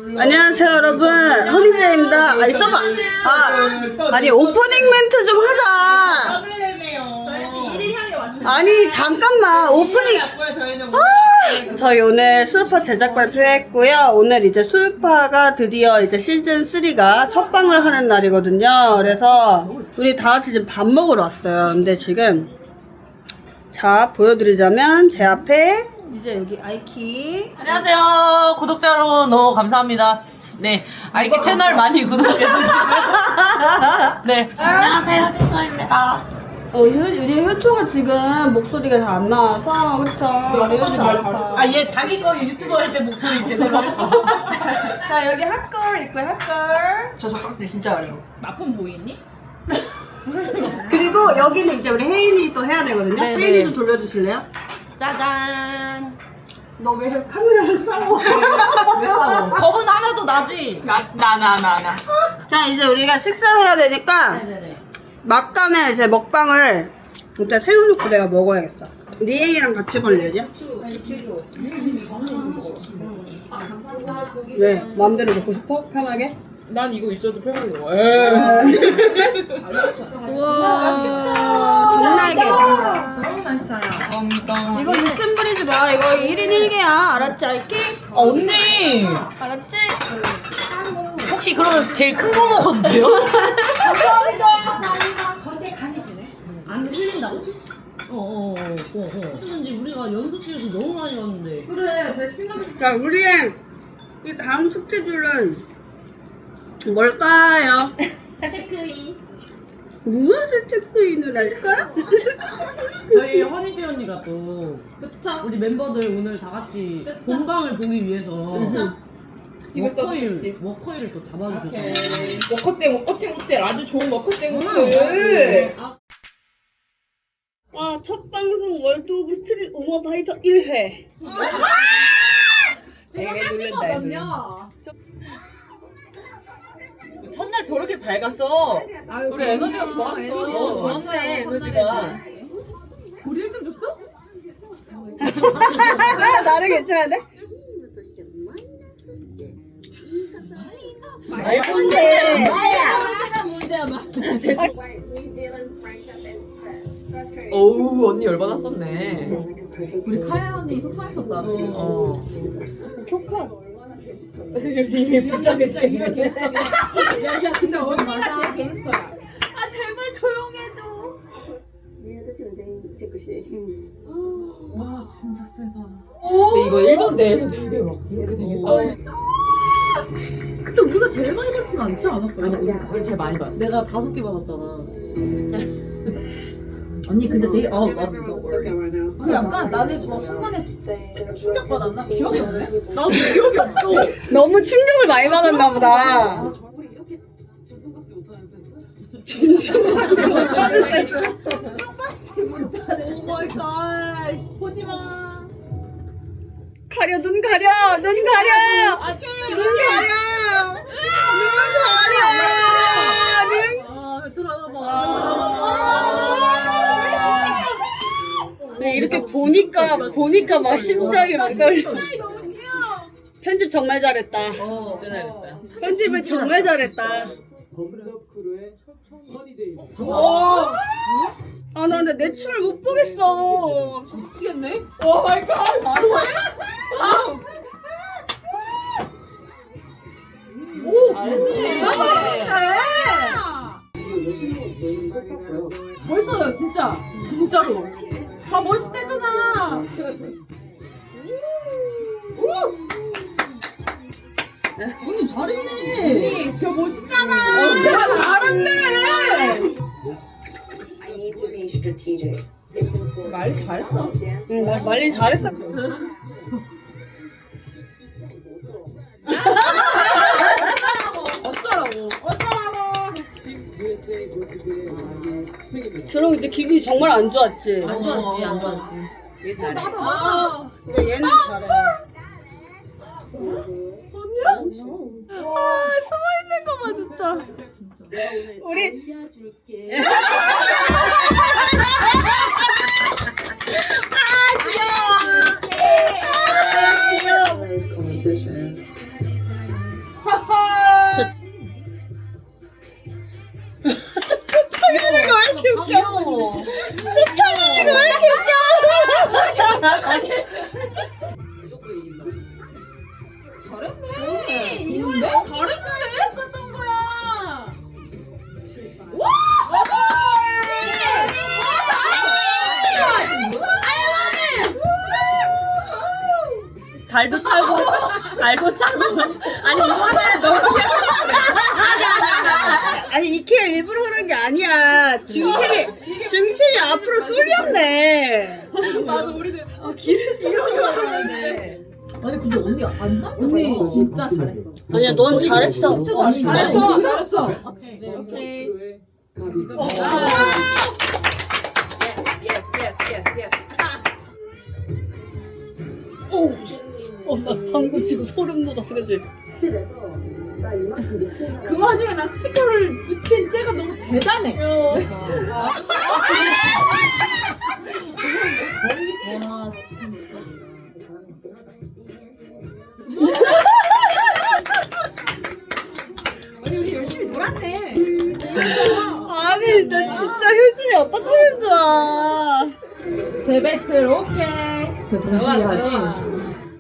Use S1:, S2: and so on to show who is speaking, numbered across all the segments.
S1: 안녕하세요 여러분, 허니제입니다. 아니 써봐. 아니 오프닝 멘트 좀 하자.
S2: 저희 지금 1일 향해 왔어요.
S1: 아니 잠깐만 오프닝. 저희 오늘 수우파 제작 발표했고요. 오늘 이제 수우파가 드디어 이제 시즌 3가 첫 방을 하는 날이거든요. 그래서 우리 다 같이 지금 밥 먹으러 왔어요. 근데 지금 자 보여드리자면 제 앞에 이제 여기 아이키.
S3: 안녕하세요. 구독자 여러분 너무 감사합니다. 네, 아이키 채널 많이 구독해주시고요. 네, 안녕하세요. 진초입니다.
S1: 이제 효초가 지금 목소리가 잘 안 나와서 그쵸? 우리 효초 잘했다.
S3: 아, 얘 자기 거 유튜브 할 때 목소리 제대로 하고.
S1: 자 여기 핫걸 있고요 핫걸.
S3: 저 젓가락질 진짜 어려워.
S2: 마폰 보이니?
S1: 그리고 여기는 이제 우리 혜인이 또 해야 되거든요.
S3: 네,
S1: 혜인이
S3: 네.
S1: 좀 돌려주실래요?
S2: 짜잔.
S1: 너 왜 카메라를 싸워?
S2: 왜 싸워?
S3: 겁은 하나도 나지? 나.
S1: 자 이제 우리가 식사를 해야 되니까
S3: 네네네.
S1: 막간에 이제 먹방을 일단 새우젓고 내가 먹어야겠어. 리에이랑 같이 걸려야지. 왜? 마음대로 먹고 싶어? 편하게?
S2: 난 이거 있어도 편하게 먹어.
S1: 우와 닭날개.
S2: 너무 맛있어요.
S3: 감사합니다.
S1: 이거 육순 부리지 마. 이거 1인 1개야. 알았지 아이키?
S3: 언니!
S1: 알았지?
S3: 혹시 그러면 제일 큰 거 먹어도 돼요?
S2: 안 흘린다고?
S3: 무슨지 우리가 연습실에서 너무 많이 왔는데.
S2: 그래, 베스킨라빈스.
S1: 자 우리의 이 다음 스케줄은 뭘까요?
S2: 체크인.
S1: 무엇을 체크인을 할까?
S3: 저희 허니지 언니가 또
S2: 그쵸?
S3: 우리 멤버들 오늘 다 같이
S2: 그쵸?
S3: 본방을 보기 위해서
S2: 그쵸?
S3: 워커힐을 또 잡아주셨어요.
S2: 오케이.
S4: 워커땡 호텔 아주 좋은 워커땡
S2: 네.
S4: 호텔.
S1: 첫 방송 월드 오브 스트릿 우먼 파이터 1회.
S2: 지금
S4: 되게
S2: 하신
S4: 놀란다,
S2: 거든요.
S3: 첫날 저렇게 밝았어.
S4: 우리 에너지가 좋았어.
S3: 좋았네, 에너지가.
S2: 우리 1등 줬어?
S1: 나는 괜찮은데?
S3: 말본데.
S2: 문제야, 막.
S4: 어우 언니 열받았었네.
S2: 우리 카야 언니 속상했었다, 지금.
S1: 조카.
S2: 진짜 이거 갱스터야. 야, 근데 언니가 제일 갱스터야. 아, 제발 조용해줘. 와, 진짜 세다.
S4: 근데 이거 일본 내에서 되게 막 이렇게 되겠다.
S2: 근데 우리가 제일 많이 받진 않지 않았어?
S4: 아니 우리 제일 많이 받았어.
S3: 내가 5개 받았잖아.
S2: 언니 근데 되게 그 약간 나는 저 순간에 충격받았나? 기억이 없네?
S3: 나도 기억이 없어.
S1: 너무 충격을 많이 받았나 보다.
S2: 보지마.
S1: 가려 눈 가려 눈 가려 눈 가려
S2: 아, 들어봐.
S1: 이렇게 보니까 막 심장이 막 떨려. 편집 정말 잘했다.
S3: 잘했어요.
S1: 편집을 정말 잘했다.
S5: 검접 크루의 허니제이.
S1: 아 나 근데 내 춤을 못 보겠어.
S2: 미치겠네?
S4: 오 마이 갓.
S2: 멋있어요, 진짜. 진짜로. 아, 멋있대잖아. 언니 잘했네. 언니 진짜 멋있잖아. 야, 잘했네.
S6: I need to be strategic. It's important.
S4: 말리 잘했어.
S1: 응, 나 말리 잘했어.
S5: USA 골프대회 만기 승입니다.
S1: 저런 이제 기분이 정말 안 좋았지.
S3: 안 좋았지. 얘 잘해.
S1: 근데 얘는 잘해. 숨어 있는 거 봐 진짜. 우리
S3: 말고 장난. 아니 이거는 너무
S1: 아니 이케아 일부러 그런 게 아니야. 중심이 앞으로 쏠렸네.
S2: 맞아 우리는
S3: 이렇게 말하는데.
S2: 아니 근데 언니 안 나? 언니 진짜 잘했어.
S1: 아니야 넌 잘했어.
S2: 잘했어.
S6: Okay.
S5: 크루의 가비.
S6: Yes, yes, yes, yes, yes.
S1: 나 방금 지금 소름 돋았어, 그지?
S6: 그래서 나 이만큼 미치는
S2: 그 와중에 나 스티커를 붙인 째가 너무 대단해. 와 진짜. 아니 우리 열심히 놀았네.
S1: 아니, 나 진짜 효진이 어떡하면 좋아.
S2: 제 배틀 오케이. 그 정신이 하지.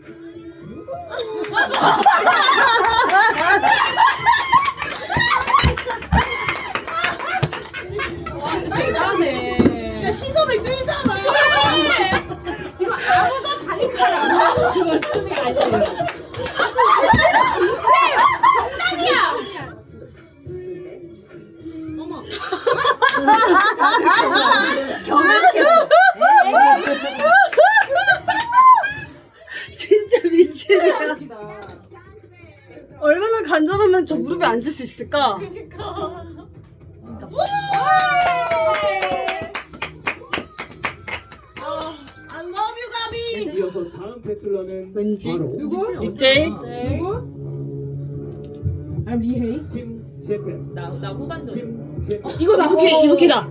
S2: 와 진짜 대단해. 야 시선을 끌잖아. 지금 아무도 다니까를 안 하고 그건 춤이 아니에요.
S1: 진짜 미치네. 얼마나 간절하면 저 무릎에 앉을 수 있을까?
S5: 이어서 다음 배틀러는
S1: 왠지?
S5: 바로
S1: 이제
S2: I'm 리헤이.
S5: 팀 재팬.
S3: 나 후반전.
S5: 팀 재팬.
S2: 이거다.
S1: 이부키다.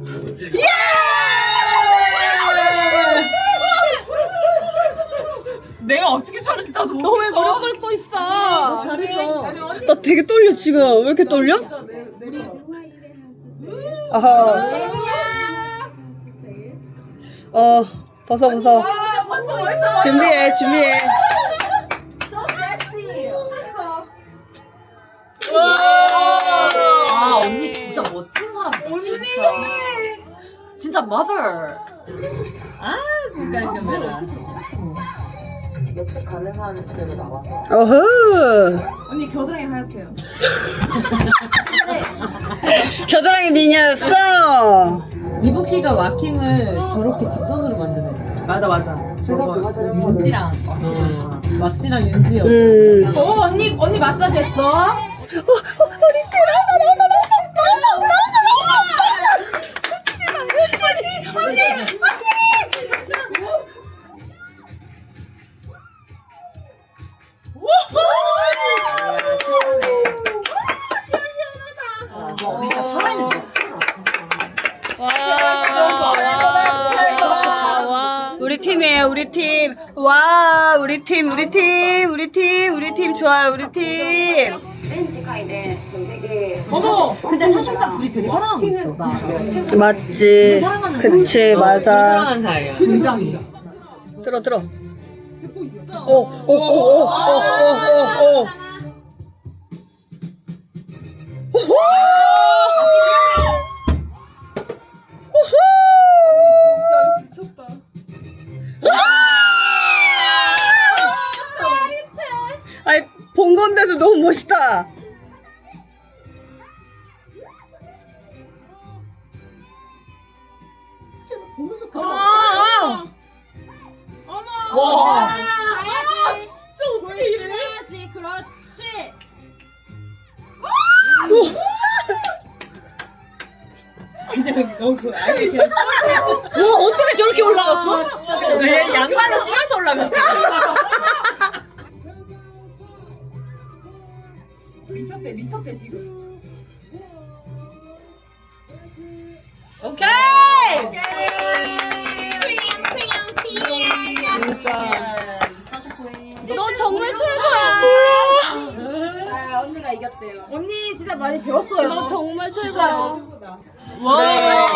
S3: 내가 어떻게 잘했지 나도 모르겠어.
S1: 너 왜 무릎 꿇고 있어?
S2: 잘했어.
S1: 나 되게 떨려 지금. 왜 이렇게 떨려? 아하. 벗어. 준비해.
S3: 아 언니 진짜 멋진 사람이다. 진짜 mother.
S6: 역시 가능한 대로 나와서
S1: 어허.
S2: 언니 겨드랑이 하얗대요.
S1: 겨드랑이 미녀였어.
S4: 이부키가 와킹을 저렇게 직선으로 만드네.
S2: 맞아.
S4: 윤지랑 왁시랑 윤지요.
S2: 언니 마사지 했어?
S3: 언니 진짜 살아있는데.
S1: 와. 우리 팀이에요, 우리 팀. 와, 우리 팀 좋아요, 우리 팀.
S6: 댄世界で 전 세계
S2: 어머.
S3: 근데 사실상 둘이 되게 사랑하고 있어. 나.
S1: 맞지. 그치, 맞아.
S3: 사랑하는 사이야.
S1: 들어.
S2: 듣고 있어.
S1: 오. 아니, 본 건데도 너무 멋있다.
S2: 와. 진짜 어떻게 이래야지. 그렇지.
S3: 와 어떻게 저렇게 올라갔어? 왜 양말로 뛰어서 올라갔어?
S2: 미쳤대 지금.
S3: 오케이.
S1: 너 정말 최고야.
S2: 아 언니가 이겼대요. 언니 진짜 많이 배웠어요.
S1: 너 정말
S2: 진짜.
S1: 최고야.
S3: 와.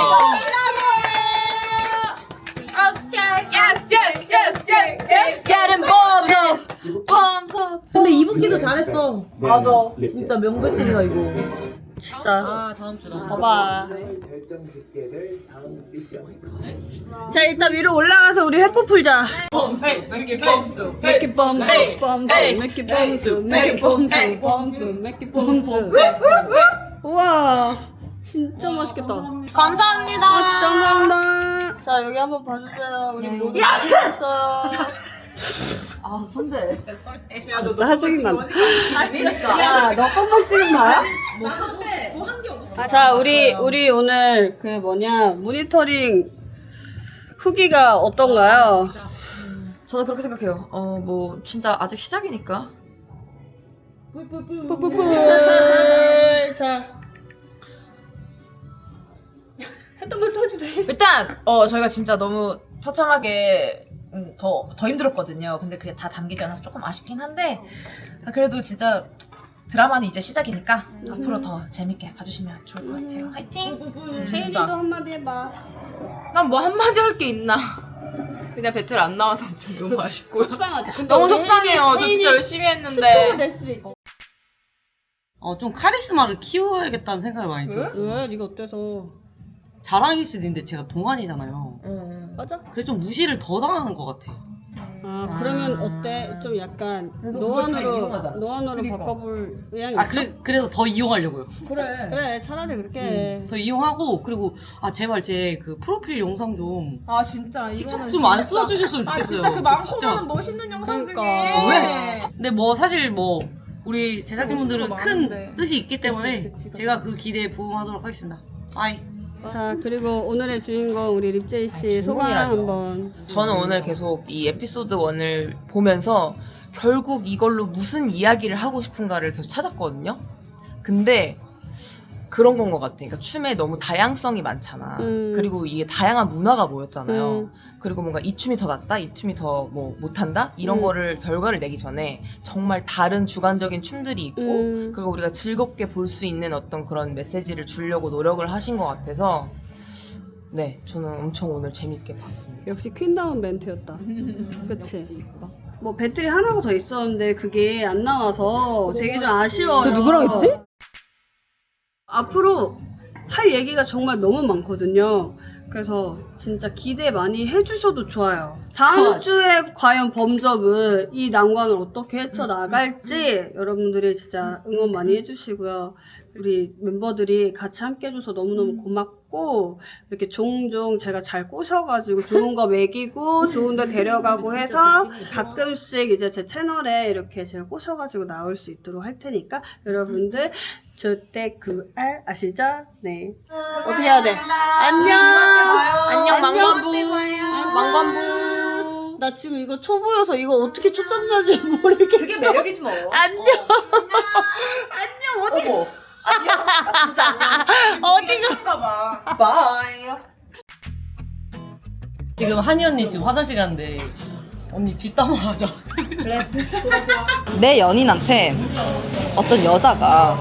S3: Getting bombed up.
S4: 근데 이부키도 잘했어.
S5: 맞아.
S4: 진짜 명배틀이다 이거.
S1: 진짜.
S3: 다음 주다.
S1: 봐봐.
S5: 결정 짓게 될 다음 미션.
S1: 자, 일단 위로 올라가서 우리 회포 풀자.
S3: 범수, 맥기 범수.
S1: 맥기 범수,
S3: 헤이,
S1: 범수,
S3: 헤이,
S1: 맥기
S3: 헤이,
S1: 범수, 맥기
S3: 헤이,
S1: 범수,
S3: 헤이.
S1: 범수, 맥기 범수. 우와, 진짜 맛있겠다.
S3: 감사합니다.
S1: 아, 진짜 감사합니다. 자, 여기 한번 봐주세요. 우리 요리 했어요.
S4: 아 선배.
S1: 진짜 하정이 난다.
S4: 진짜.
S1: 야, 너 껌뻑 찍은 나야?
S2: 뭐한 게 없어.
S1: 자, 우리 오늘 그 뭐냐 모니터링 후기가 어떤가요?
S4: 저는 그렇게 생각해요. 뭐 진짜 아직 시작이니까.
S1: 뿌뿌뿌. 자, 했던 걸 터도 돼.
S7: 일단 저희가 진짜 너무 처참하게 더 힘들었거든요. 근데 그게 다 담기지 않아서 조금 아쉽긴 한데 그래도 진짜 드라마는 이제 시작이니까 앞으로 더 재밌게 봐주시면 좋을 것 같아요. 화이팅!
S1: 채인이도 한마디 해봐.
S3: 난 뭐 한마디 할 게 있나? 그냥 배틀 안 나와서 좀 너무 아쉽고요.
S1: 속상하지. 근데
S3: 너무
S1: 우리
S3: 속상해요. 저
S1: 혜인이
S3: 진짜 열심히
S1: 스포가
S3: 했는데.
S1: 될 수도 있지.
S8: 좀 카리스마를 키워야겠다는 생각을 많이 들었어요.
S1: 왜? 네가 어때서?
S8: 자랑일 수도 있는데 제가 동안이잖아요.
S1: 맞아?
S8: 그래서 좀 무시를 더 당하는 것 같아.
S1: 아, 그러면 어때? 좀 약간
S4: 그래도 그걸 잘
S1: 노안으로
S4: 이용하잖아.
S1: 바꿔볼 의향이 있어?
S8: 그래서 더 이용하려고요.
S4: 그래.
S1: 그래, 차라리 그렇게 해.
S8: 더 이용하고 그리고 제발 제 그 프로필 영상 좀
S3: 아 진짜 이거는
S8: 좀 안 써주셨으면 좋겠어요.
S3: 아 진짜 그 많고
S8: 진짜.
S3: 많은 멋있는 영상
S1: 그러니까.
S3: 중에
S8: 왜? 근데 뭐 사실 뭐 우리 제작진분들은
S3: 멋있는 거 많은데.
S8: 큰 뜻이 있기 때문에
S1: 그치.
S8: 제가 그 기대에 부응하도록 하겠습니다. 아이.
S1: 자, 그리고 오늘의 주인공 우리 립제이 씨 소감
S4: 주인공이라뇨.
S1: 한번.
S7: 저는 오늘 계속 이 에피소드 1을 보면서 결국 이걸로 무슨 이야기를 하고 싶은가를 계속 찾았거든요. 근데 그런 건 것 같아. 그러니까 춤에 너무 다양성이 많잖아. 그리고 이게 다양한 문화가 모였잖아요. 그리고 뭔가 이 춤이 더 낫다, 이 춤이 더 뭐 못한다 이런 거를 결과를 내기 전에 정말 다른 주관적인 춤들이 있고 그리고 우리가 즐겁게 볼 수 있는 어떤 그런 메시지를 주려고 노력을 하신 것 같아서 네, 저는 엄청 오늘 재밌게 봤습니다.
S1: 역시 퀸다운 멘트였다. 그치? 뭐 배틀이 하나가 더 있었는데 그게 안 나와서 되게 좀 아쉬워요.
S4: 너 누구랑 했지?
S1: 앞으로 할 얘기가 정말 너무 많거든요. 그래서 진짜 기대 많이 해주셔도 좋아요. 다음 주에 과연 범접은 이 난관을 어떻게 헤쳐나갈지 여러분들이 진짜 응원 많이 해주시고요. 우리 멤버들이 같이 함께 해줘서 너무너무 고맙고 이렇게 종종 제가 잘 꼬셔가지고 좋은 거 먹이고 좋은 데 데려가고 해서 가끔씩 이제 제 채널에 이렇게 제가 꼬셔가지고 나올 수 있도록 할 테니까 여러분들 저때 그 알 아시죠? 네. 어떻게 해야 돼? 안녕.
S7: 안녕, 망관부.
S1: 망관부. 나 지금 이거 초보여서 이거 어떻게 초점인지 모르겠어.
S4: 그게 매력이지 뭐.
S1: 안녕. 안녕. 어디?
S4: 어머. 안녕. 나 진짜 안녕.
S1: 어디가?
S4: 바이.
S8: 지금 한이 언니 지금 화장실 갔는데 언니 뒷담화 하자.
S4: 내 연인한테 어떤 여자가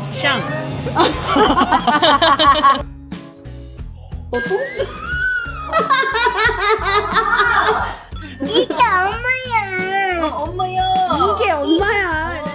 S1: 이게 엄마야.
S4: 엄마야.
S1: 이게 엄마야.